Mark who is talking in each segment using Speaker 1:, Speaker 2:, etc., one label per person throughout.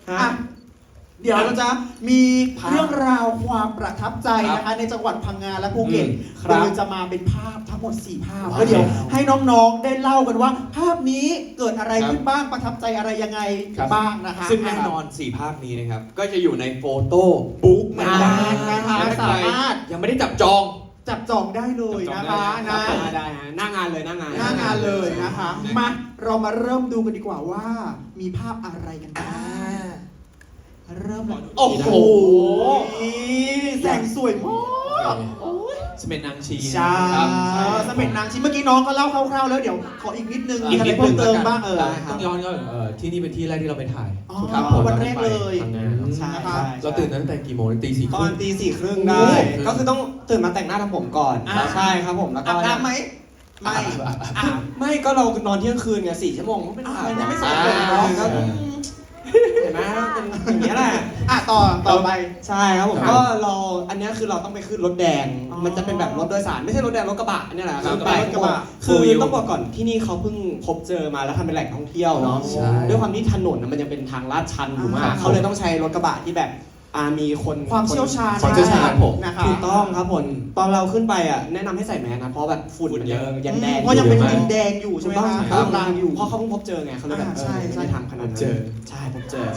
Speaker 1: อ่ะเดี๋ยวเราจะมีเรื่องราวความประทับใจนะคะในจังหวัดพังงาและภูเก็ตโดยจะมาเป็นภาพทั้งหมด4ภาพแล้วเดี๋ยวให้น้องๆได้เล่ากันว่า ภาพนี้เกิดอะไรขึ้นบ้างประทับใจอะไรยังไงบ้างนะคะ
Speaker 2: ซึ่งแน่นอน4ภาพนี้นะครับก็จะอยู่ในโฟโต้บุ๊กเหมือนกันนะคะสามารถยังไม่ได้จับจอง
Speaker 1: ได้เลยนะคะ
Speaker 2: ได้หน้างานเลยหน้างาน
Speaker 1: เลยนะคะมาเรามาเริ่มดูกันดีกว่าว่ามีภาพอะไรกันบ้างเริ่มเลยโอ้โหแสงสวยมาก
Speaker 2: สเม็ดนางชี
Speaker 1: ใช่สเม็ดนางชีเมื่อกี้น้องก็เล่าคร่าวๆแล้วเดี๋ยวขออีกนิดนึงมีอะไรเพิ่มเติมบ้าง
Speaker 2: ต้องย้อนก็ที่นี่เป็นที่แรกที่เราไปถ่าย
Speaker 1: วันแรกเลย
Speaker 3: ใช่
Speaker 2: เราตื่นตั้งแต่กี่โมงตี 4
Speaker 3: ตอนตี 4 ครึ่งได้ก็คือต้องตื่นมาแต่งหน้าทำผมก่อนใช่ครับผมแล้วก็
Speaker 1: อาบน้ำไหม
Speaker 3: ไม่ก็เรานอนเที่ยงคืนไง4 ชั่วโมงไม่อาบ
Speaker 1: ยังไม่สายเลย
Speaker 3: ก็เห็นไหมเป็นอย่างนี้แหละ
Speaker 1: ต่อไป
Speaker 3: ใช่ครับผมก็เราอันนี้คือเราต้องไปขึ้นรถแดงมันจะเป็นแบบรถโดยสารไม่ใช่รถแดงรถกระบะนี่แหละ
Speaker 1: รถกระบะ
Speaker 3: คือต้องบอกก่อนที่นี่เขาเพิ่งพบเจอมาแล้วทำเป็นแหล่งท่องเที่ยวเนาะด้วยความที่ถนนมันยังเป็นทางลาดชันอยู่มากเขาเลยต้องใช้รถกระบะที่แบบมี
Speaker 1: ความเชี่ยวชาญ
Speaker 3: ผมถูกต้องครับผมตอนเราขึ้นไปแนะนำให้ใส่แมสนะเพราะแบบฝุ่นมันยังแดง
Speaker 1: เพราะยังเป็นดินแดงอยู่ใช่ไหมครับ
Speaker 3: กลางอยู่เพราะเขาเพิ่งพบเจอไงเขาเลยแบบใช่ทำขนาดนั้นใช่พบเจอ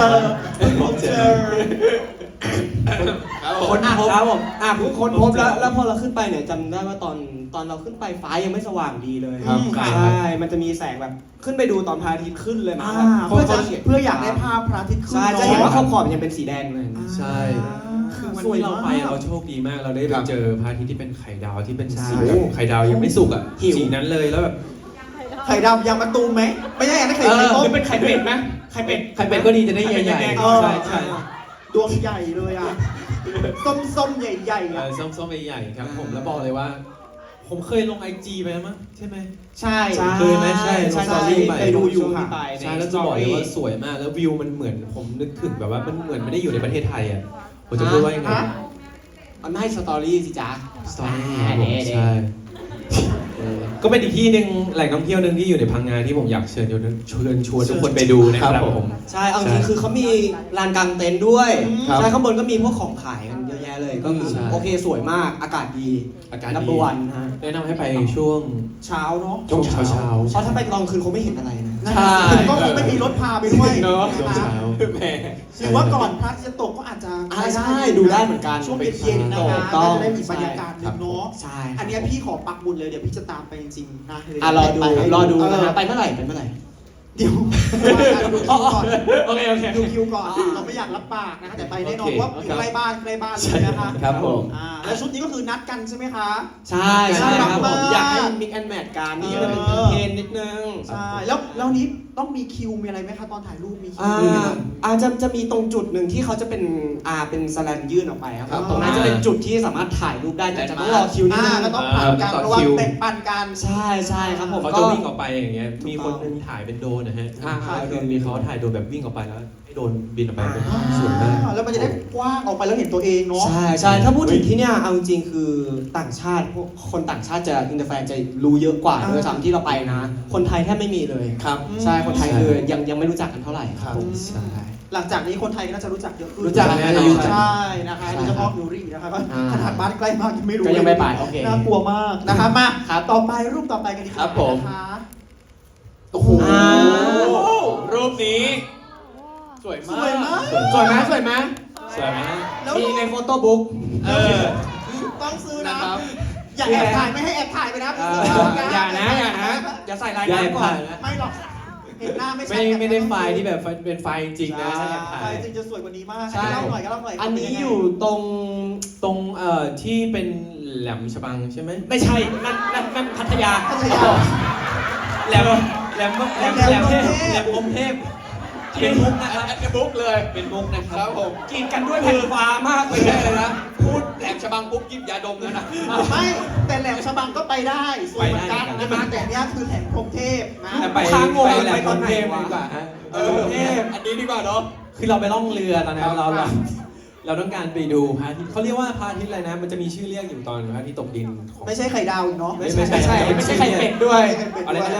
Speaker 3: คนพบครับผมคนพบแล้วพอเราขึ้นไปเนี่ยจำได้ว่าตอนเราขึ้นไปฟ้ายังไม่สว่างดีเลยใช่มันจะมีแสงแบบขึ้นไปดูตอนพระอาทิตย์ขึ้นเลยนะ
Speaker 1: เพื่ออยากได้ภาพพระอาทิตย์ขึ้น
Speaker 3: ใช่จะเห็นว่าขอบยังเป็นสีแดงเลย
Speaker 2: ใช่คือวันที่เราไปเราโชคดีมากเราได้ไปเจอพระอาทิตย์ที่เป็นไข่ดาวที่เป็นสีไข่ดาวยังไม่สุกสีนั้นเลยแล้วแบบ
Speaker 1: ไข่ดาวยางมะตูมไหมไม่ใช่อันนั้นไข่ต้ม
Speaker 3: หรือเป็นไข่เป็ดไหมไข่เป็ด
Speaker 2: ก็ดีจะได้ใหญ่ๆใช่
Speaker 1: ดวงใหญ่เลยส้มใหญ่
Speaker 2: ส้มใหญ่ครับผมแล้วบอกเลยว่าผมเคยลง IG ไปมั้งใช่ไหม
Speaker 1: ใช่
Speaker 2: เคยไหมใช่ลงสตอรี่ไป
Speaker 1: เคยดูอยู่ค่ะ
Speaker 2: ใช่แล้วจะบอกเลยว่าสวยมากแล้ววิวมันเหมือนผมนึกถึงแบบว่ามันเหมือนไม่ได้อยู่ในประเทศไทยผมจะพูดว่ายังไง
Speaker 3: ไม่สตอรี่สิจ๊ะ
Speaker 2: สตอรี่ใช่ก็เป็นอีกที่หนึ่งแหล่งท่องเที่ยวหนึ่งที่อยู่ในพังงาที่ผมอยากเชิญชวนทุกคนไปดูนะครับผม
Speaker 3: ใช่เอาจริงคือเขามีลานกางเต็นท์ด้วยใช่ข้างบนก็มีพวกของขายกันเยอะแยะเลยก็คือโอเคสวยมากอากาศดีนับวันฮะ
Speaker 2: แนะนำให้ไปช่วง
Speaker 1: เช้าเนาะ
Speaker 2: ช่วงเช้า
Speaker 3: เพราะถ้าไปตอนคืนคงไม่เห็นอะไรนะ
Speaker 1: ใช่ก็คงไม่มีรถพาไปด้วย
Speaker 2: เนาะช่วงเช้า
Speaker 1: หรือว่าก่อนพระอาทิตย์จะตกก็อาจจะ
Speaker 3: ใช่ดูได้เหมือนกัน
Speaker 1: ช่วงเย็นๆนะคะก็จะได้มีบรรยากาศนึงเนาะ
Speaker 3: ใช่
Speaker 1: อันนี้พี่ขอปักบุญเลยเดี๋ยวพี่จะตามไปจริงๆนะ
Speaker 3: รอดูนะไปเมื่อไหร่
Speaker 1: เดี๋ยวดูคิวก่อน
Speaker 3: โอเค
Speaker 1: ดูคิวก่อนเราไม่อยากรับปากนะคะแต่ไปแน่นอนว่าใกล้บ้านเลยนะคะ
Speaker 2: ครับผม
Speaker 1: แล้วชุดนี้ก็คือนัดกันใช่ไหมคะ
Speaker 3: ใช่ครับผมอยากให้มิกแอนด์แมทกันนี่จะเป็นเทรนนิดนึง
Speaker 1: ใช่แล้วนี้ต้องมีคิวมีอะไรไหมคะตอนถ่ายรูปมีคิว
Speaker 3: จะมีตรงจุดหนึ่งที่เขาจะเป็นสแลนยื่นออกไปครับตรงนั้นจะเป็นจุดที่สามารถถ่ายรูปได้แต่จะต้องรอคิวนิดนึง
Speaker 1: ก็ต้องผ่านการระวังเป็นปั่นกัน
Speaker 3: ใช่ครับผม
Speaker 2: เขาจะวิ่งออกไปอย่างเงี้ยมีคนนึงถ่ายเป็นโดรนนะฮะโดนมีเขาถ่ายโดรนแบบวิ่งออกไปแล้วให้โดรนบินออกไปเป็นสวยมาก
Speaker 1: แล้วมันจะได้กว้างออกไปแล้วเห็นตัวเองเนาะ
Speaker 3: ใช่ถ้าพูดถึงที่เนี่ยเอาจริงคือต่างชาติพวกคนต่างชาติจะอินเตอร์แฟนจะรู้เยอะกว่าด้วยซ้ำที่เราไปนะคนไทยแทบไม่มีเลย
Speaker 2: ครับ
Speaker 3: ใช่คนไทยคือยังไม่รู้จักกันเท่าไหร่ครับใช่
Speaker 1: หลังจากนี้คนไทยก็น่าจะรู้จักเยอะขึ้น
Speaker 3: รู้จัก
Speaker 1: ใช่นะคะโดยเฉพาะยูรินะคะก็ขนาดบ้านใกล้มากยังไม่รู้
Speaker 3: ก็ยังไม่ไปโอเค
Speaker 1: น่ากลัวมากนะคะมาต่อไปรูปต่อไปกันดีกว่านะคะ
Speaker 2: โอ้โหรูปนี้สวยมาก
Speaker 3: สวยไหม
Speaker 2: มี
Speaker 3: ในโฟโต้บุ๊ก
Speaker 1: ต้องซื้อนะอย่าแอบถ่ายไม่ให้แอบถ่ายไปนะ
Speaker 3: อย่าอย่าใส่รายการก่อน
Speaker 1: ไม่หรอกเห็นหน้าไม่ใช่
Speaker 2: ไม่ได้ไฟล์ที่แบบเป็นไฟล์จริงนะ
Speaker 1: ไฟล์จริงจะสวยกว่านี้มากเล่าหน่อย
Speaker 3: อันนี้อยู่ตรง
Speaker 2: ที่เป็นแหลมฉบังใช่ไหม
Speaker 3: ไม่ใช่นั่นพัทยา
Speaker 2: แหลมพรหมเทพเป็นมุกนะครับเป็นมุกเลยเป็นมุกนะครับผม
Speaker 3: กินกันด้วยแผ่นฟ้ามากเลยนะ
Speaker 2: พูดแหลมฉบังปุ๊บกินยาดมแล้วนะ
Speaker 1: ไม่แต่แหลมฉบังก็ไปได้สวยเหมือนกันนะคะแต่เนี้ยคือแหลมพรหมเทพนะ
Speaker 2: ไปแหลมพรหมเทพดีกว่าฮะอันนี้ดีกว่าเนาะคือเราไปล่องเรือตอนนั้นเราต้องการไปดูพระอาทิตย์เขาเรียกว่าพระอาทิตย์อะไรนะมันจะมีชื่อเรียกอยู่ตอนพระอาทิตย์ตกดิน
Speaker 1: ไม่ใช่ไข่ดาวเนาะ
Speaker 3: ไม่ใช่ไข่เป็ดด้วย
Speaker 2: อะไรเรียกว่า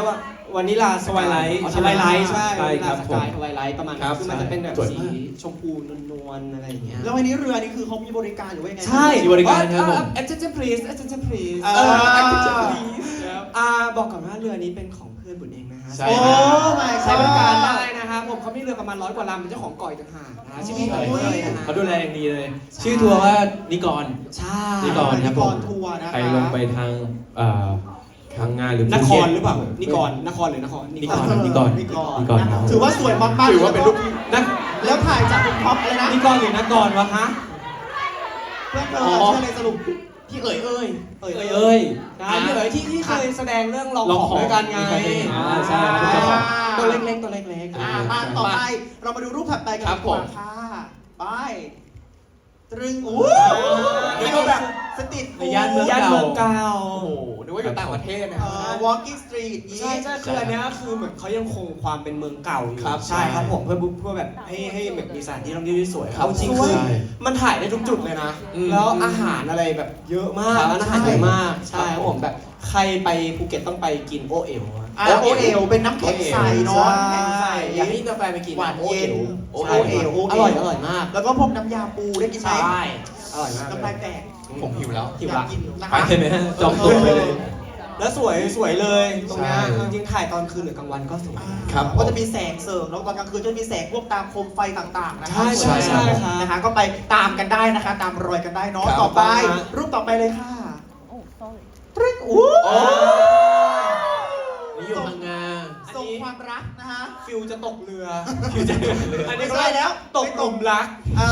Speaker 3: วานิลา
Speaker 2: สวายไลท์
Speaker 3: สวายไลท์ใช่
Speaker 2: ใช่
Speaker 3: วานิ
Speaker 2: ครั
Speaker 3: ลา
Speaker 2: บ
Speaker 3: สกายสวายไลท์ประมาณ
Speaker 2: ครั
Speaker 3: นั้น
Speaker 2: บ
Speaker 3: คือมันจะเป็นแบบ
Speaker 2: สวย
Speaker 3: สี
Speaker 2: มาก
Speaker 3: ชมพูนวลๆอะไรอย่างเงี้ย
Speaker 1: แล้ววันนี้เรือนี่คือเขามีบริการหรือว่ายังไง
Speaker 3: ใช่
Speaker 2: มีบริการครับผม
Speaker 3: attention please attention please
Speaker 1: เออ
Speaker 3: attention please บอกก่อนว่าเรือนี้เป็นของเพื่อนบุญเองนะฮะ
Speaker 2: ใช่
Speaker 1: โอ้ my
Speaker 3: ใช้บริการ
Speaker 1: god
Speaker 3: ได้นะครับผมเขามีเรือประมาณ100 กว่าลำเป็นเจ้าของเก่อยต่างหากนะชื่อพี่เอ๋ยเลยนะฮะ
Speaker 2: เขาดูแลอย่างดีเลย ชื่อทัวร์ว่านิกร
Speaker 3: ใช่
Speaker 2: นิกรครับผม
Speaker 1: นิกรทัวร์นะคะ
Speaker 2: ใครลงไปทางทางงานหรือน
Speaker 3: ค
Speaker 2: ภูเก็
Speaker 3: ร
Speaker 2: ต
Speaker 3: หรือเปล่านิกรนครหรือนคร
Speaker 2: นิกรนิกร
Speaker 1: นิกร
Speaker 2: นิกร
Speaker 1: นะถือว่าสวยมากๆ
Speaker 2: ถือว่าเป็นรูปนัก
Speaker 1: แล้วถ่ายจากบนท็อปเลยนะ
Speaker 2: นิกรหรือนักกรวะฮะ
Speaker 1: เพื่อนเธอ
Speaker 2: อ๋อ
Speaker 1: เชื่อเลยสรุป
Speaker 3: พี่เอ๋ยเอ้ย
Speaker 2: เอ้ย
Speaker 3: ใช่พี่เอ๋ยที่เคยแสดงเรื่องลอง
Speaker 2: ลอง
Speaker 3: ข
Speaker 2: ข
Speaker 3: อ
Speaker 2: อง ง
Speaker 3: ด้วยกันไง
Speaker 2: ใช่ครับเป็นเจ้าของ
Speaker 3: ตัวเล็กๆตัวเล็กๆ
Speaker 1: มาต่อไปเรามาดูรูปถัดไปกัน
Speaker 2: ครับ
Speaker 1: ดีกว่า
Speaker 2: ผม
Speaker 1: ค่ะไปตรึงอู้นี่ก็แบบสตรีท
Speaker 2: ในย่านเมือง
Speaker 3: ย่านเมืองเก่า
Speaker 4: โอ้โหนึกว่าอยู่ต่างประเทศนะ
Speaker 1: walking street นี้
Speaker 3: ใช่ใช่คืออันเนี้ยคือเหมือนเขายังคงความเป็นเมืองเก่าอยู่
Speaker 2: ครับ
Speaker 3: ใช่ครับ
Speaker 2: ใช่
Speaker 3: ผมเพื่อแบบให้แบบมีสถานที่ท่องเที่ยวที่สวย
Speaker 2: ครับ
Speaker 3: เอาจริง
Speaker 1: ส
Speaker 3: คื
Speaker 1: วย
Speaker 3: อมันถ่ายได้ทุกจุดเลยนะ
Speaker 2: อืม
Speaker 3: แล้วอาหารอะไรแบบเยอะมาก
Speaker 2: ครับ
Speaker 3: ร้านอาหารเยอะมากใช่
Speaker 2: ครับ
Speaker 3: ครับผมแบบใครไปภูเก็ตต้องไปกินโอเอ๋วอะ
Speaker 1: โอเอลเป็นน้ำแข็งใสเนาะ
Speaker 3: ใช่
Speaker 1: น้ำแข็งใส
Speaker 3: อยากให้กาแฟนไปกิน
Speaker 1: หวานเย็น
Speaker 3: โอเอ๋ว
Speaker 1: โอเอ๋ว
Speaker 3: อร่อยมาก
Speaker 1: แล้วก็พวกน้ำยาปูได้กินไหม
Speaker 3: ใช่อร่อยมาก
Speaker 1: น้ำลายแตก
Speaker 4: ผมหิวแล้ว
Speaker 3: หิว
Speaker 1: อยา
Speaker 3: ละ
Speaker 1: กกินนะ
Speaker 2: ไป
Speaker 1: คะ
Speaker 2: เลยไหมฮะจองตัวไปเลย
Speaker 3: แล้วสวยเลยตรงเนี้ย
Speaker 2: ใช่
Speaker 3: จริงๆถ่ายตอนคืนหรือกลางวันก็สวย
Speaker 2: ครับ
Speaker 1: ก็จะมีแสงเสริมแล้วตอนกลางคืนก็จะมีแสงพวกตามโคมไฟต่างๆนะคะ
Speaker 3: ใช่
Speaker 1: สวย
Speaker 3: ครับ
Speaker 1: นะคะก็ไปตามกันได้นะคะ ตามรอยกันได้เนาะ
Speaker 2: ครับ
Speaker 1: ต่อไป
Speaker 3: ครับ
Speaker 1: รูปต่อไปเลยค่ะ
Speaker 5: Oh, sorry.
Speaker 1: ตรึ้งอู้
Speaker 2: โอ้ นี่อยู่พังงา
Speaker 1: ส่งความรักนะคะ
Speaker 3: ฟิวจะตกเรือ
Speaker 2: คือจะเรือ
Speaker 3: อันนี้
Speaker 1: ไม่
Speaker 3: ก็
Speaker 1: ใช่แล้ว
Speaker 3: ตกหลุมรัก
Speaker 1: อ่า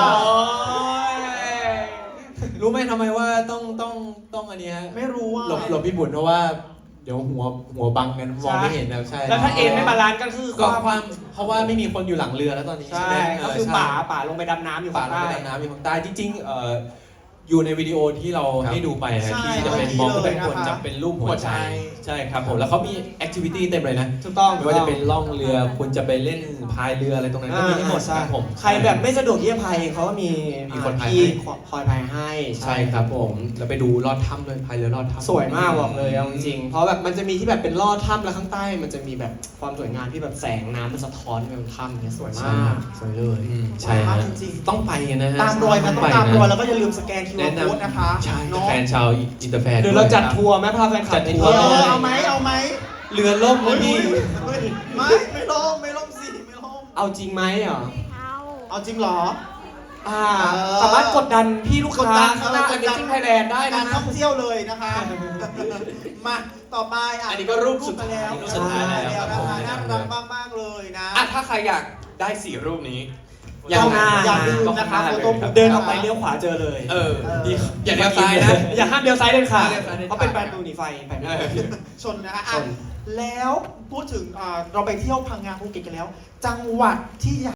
Speaker 2: รู้ไหมทำไมว่าต้องอันเนี้ย
Speaker 1: ไม่รู้ว่า
Speaker 2: หลบพี่บุญเพราะว่าเดี๋ยวหัวบังกันมองไม่เห็นนะใช่
Speaker 3: แล้วถ้าเอ็นไม่บาลานซ์ก็คือ
Speaker 2: ก็ความเพราะว่าไม่มีคนอยู่หลังเรือแล้วตอนนี้
Speaker 3: ใช่
Speaker 2: ไหม
Speaker 3: ก็คือ
Speaker 2: ใช่
Speaker 3: ป่าลงไปดำน้ำอยู่
Speaker 2: ป่า
Speaker 3: ข้าง
Speaker 2: ลง
Speaker 3: ใต้
Speaker 2: ไปดำน้ำอยู่ข้างใต้จริงๆอยู่ในวิดีโอที่เราให้ดูไปนะ
Speaker 1: ใช่
Speaker 2: ที่จะเป็นมองขึ้นไปข้างบน
Speaker 1: เลยนะคะ
Speaker 2: จะเป็นรูปหัวใจใช่ครับผมแล้วเขามีแอคทิวิตี้เต็มเลยนะ
Speaker 3: ถูกต้อง
Speaker 2: ไม่ว่าจะเป็นล่องเรือคุณจะไปเล่นพายเรืออะไรตรงนั้นก็มีให้หมดครับผม
Speaker 3: ใครแบบไม่สะดวกที่จะพายเองเขาก็มี
Speaker 2: มีคนพาย
Speaker 3: ที่
Speaker 2: ให้
Speaker 3: คอยพายให้
Speaker 2: ใช่ครับผมแล้วไปดูลอดถ้ำด้วยพายเรือลอดถ้ำ
Speaker 3: สวยมากบอกเลยเอาจริงๆเพราะแบบมันจะมีที่แบบเป็นลอดถ้ำแล้วข้างใต้มันจะมีแบบความสวยงามที่แบบแสงน้ำมันสะท้อนเป็นถ้ำเนี่ยสวยมากสวยเลย
Speaker 2: ใช่ฮะ
Speaker 1: จริง
Speaker 2: ต้องไปกันนะฮะ
Speaker 1: ๆตามรอยมันต้องตามรอยแล้วก็อย่าลืมสแกน
Speaker 2: แนะ
Speaker 1: QR
Speaker 2: น
Speaker 1: code นะคะ
Speaker 2: ำใช่
Speaker 1: เนาะ
Speaker 2: แฟนชาวอินเตอร์แฟน
Speaker 3: หรือเราจัดทัวร์ไหมพาแฟนคลั
Speaker 2: จั
Speaker 3: บ
Speaker 2: ด
Speaker 3: ไป
Speaker 2: ทัว
Speaker 3: เที่
Speaker 2: ร์
Speaker 3: ยว
Speaker 1: เอาไหมเอาไหม
Speaker 2: เรือล่มแล้วนี่
Speaker 1: ไม่ล่มสิไม่ล่ม
Speaker 3: เอาจริงไหมเหรอ
Speaker 1: เอาจริงเหรอ
Speaker 3: สามารถกดดันพี่ลูก
Speaker 1: กด
Speaker 3: ค้า
Speaker 1: ดัน
Speaker 3: ข้างหน้า
Speaker 1: เออกดดัน
Speaker 3: Amazing Thailand ได้
Speaker 1: กา
Speaker 3: นะ
Speaker 1: รท่องเที่ยวเลยนะคะ มาต่อไป
Speaker 2: อันนี้ก็รูปสุด
Speaker 1: ไปแล้ว
Speaker 2: รูปสุดท้ายแล้วครับผม
Speaker 1: น่ารักมากๆเลยนะ
Speaker 4: อ่ะถ้าใครอยากได้4รูปนี้
Speaker 1: อย่า
Speaker 3: เข้าหน้า
Speaker 1: อย่าลืมนะคะ
Speaker 4: เข้าหน้า
Speaker 1: โฟโต้บุ๊ก
Speaker 3: เดินออกไปเลี้ยวขวาเจอเลย
Speaker 4: เออ
Speaker 2: ดี
Speaker 4: อย่าเลี้ยวซ้ายนะ
Speaker 3: อย่าห้ามเลี้ยวซ้ายเด็ดขาด
Speaker 4: ห้ามเลี้ยวซ้ายเด็ดขาด
Speaker 3: เพราะเป็นประตูหนีไฟไปไม่ได้
Speaker 1: ชนนะคะ
Speaker 3: ชน
Speaker 1: แล้วพูดถึงเราไปเที่ยวพังงาภูเก็ตกันแล้ว จังหวัดที่อยาก